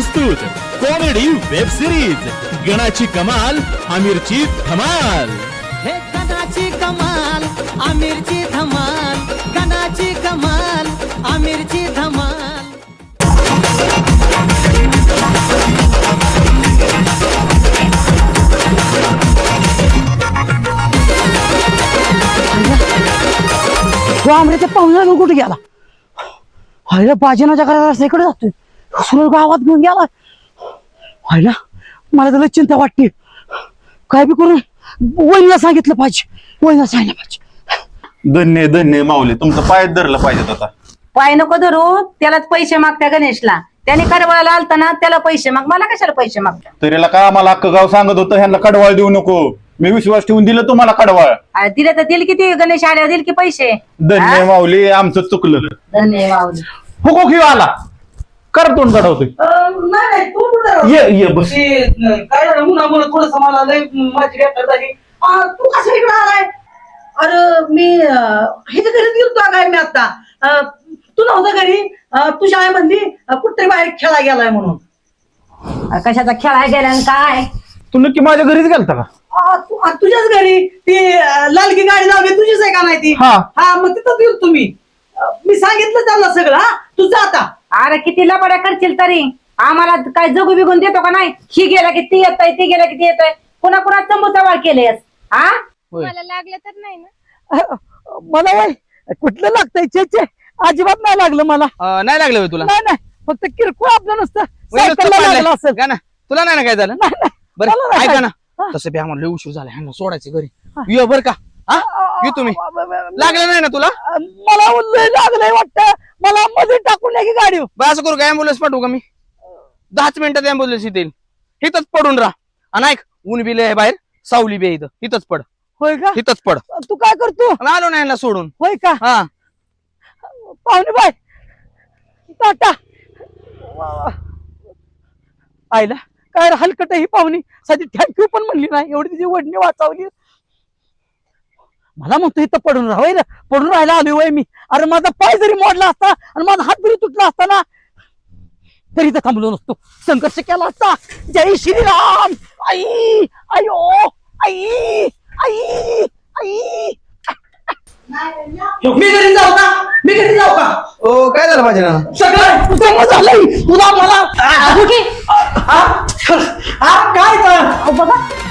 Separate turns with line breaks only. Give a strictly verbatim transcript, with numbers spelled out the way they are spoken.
प्रस्तुत comedy web series गणाची कमाल आमिरची धमाल।
हे गणाची कमाल आमिरची धमाल, गणाची कमाल आमिरची धमाल।
तो आमऱ्याच्या पाहुण्याला कुठे गेला? व्हायला बाजनाच्या घराला रस्त्याकडे जातोय, सुरळ गावात घेऊन गेला। व्हायला मला त्याला चिंता वाटते, काय बी करून वहिनीला सांगितलं पाहिजे, वहिनीला सांगितलं पाहिजे।
धन्य धन्य माऊली, तुमचं पाय धरलं पाहिजे आता।
पाय नको धरू, त्यालाच पैसे मागत्या गणेशला। त्याने कडवाळाला आलता ना, त्याला पैसे माग, मला कशाला पैसे मागता?
तरीला का आम्हाला अख्खं गाव सांगत होतं ह्यांना कडवाळ देऊ नको, मी विश्वास ठेवून दिलं तुम्हाला कडवाळ।
अरे दिले तर दिल किती, गणेश आल्यावर दिल की पैसे।
धन्य माऊली, आमचं चुकलं।
धन्यवाद।
हुको घेऊ आला कर तोंड काढवतोय।
नाही तू कुठं
ये ये बस।
काय झालं मुलामुळे थोडस मला लय माझी वेळ झाली। तू कसं इकडे आलाय? अरे मी ह्याच्या घरी गेलतो काय मी आता, तू नव्हता घरी, तू शाळेमधली कुठतरी बाहेर खेळा गेलाय म्हणून।
कशाचा खेळाय गेला आणि काय?
तू नक्की माझ्या घरीच गेलता का?
आ, तू- आ, तुझ्याच घरी ती अं, लालकी गाडी लावली तुझीच आहे का नाही ती?
हा.
हा मग तिथं गेलो तुम्ही, अं, मी सांगितलं त्यांना सगळं। हा तू जा आता।
अरे किती लबाड्या करशील तरी आम्हाला काय जगू बिगून देतो का नाही? ही गेला की ती येतय, ती गेला की ती येतय, पुन्हा पुन्हा चंबूचा वाळ केलेस। हा
मला लागलं तर नाही ना?
मला वय कुठलं लागतंय? चे चे अजिबात नाही लागलं मला।
अं, नाही लागलं होय तुला?
नाही नाही, फक्त किरकोळ आपलं नसतं,
वय नुसतं
सायकलला
पडलंय.
लागलं असेल।
का ना तुला नाही ना काय झालं?
नाही, नाही,
बरं
मला नाही
ऐका ना,
हा.
तसं बी आम्हाला लय उशीर झाला, ह्यांना सोडायचं घरी। ये बर का? हा ये तुम्ही। लागलं नाही ना तुला?
मला लय लागलंय वाटतं, मला मध्ये टाकून या की गाडी।
बरं असं करू का, अँब्युलन्स पाठवू का मी? दहाच मिनिटात अँब्युलन्स येते, इथंच पडून राहा। आणि ऐक, ऊन बी लय आहे बाहेर, सावली बी आहे इथं, इथंच पड,
होय का?
इथंच पड।
तू काय करतो?
आणि आलो ना यांना सोडून।
होय का?
हा
पाहुणे बाय टाटा। आईला काय हलकट ही पाहुणी, साधी थँक्यू पण म्हणली नाही, एवढी तिची वडणी वाचावली। मला म्हणतो इथं पडून राहावं ना, पडून राहायला आलोय वय मी। अरे माझा पाय जरी मोडला असता आणि माझा हात जरी तुटला असता ना, तरी इथं थांबलो नसतो, संघर्ष केला असता। जय श्रीराम। आई आयो आई आई आई। मी घरी जाऊ का? मी घरी जाऊ का?
ओ काय झालं माझ्या?
सगळं जमा झालंय तुला मला। हा? हा, काय तर? अहो, बघा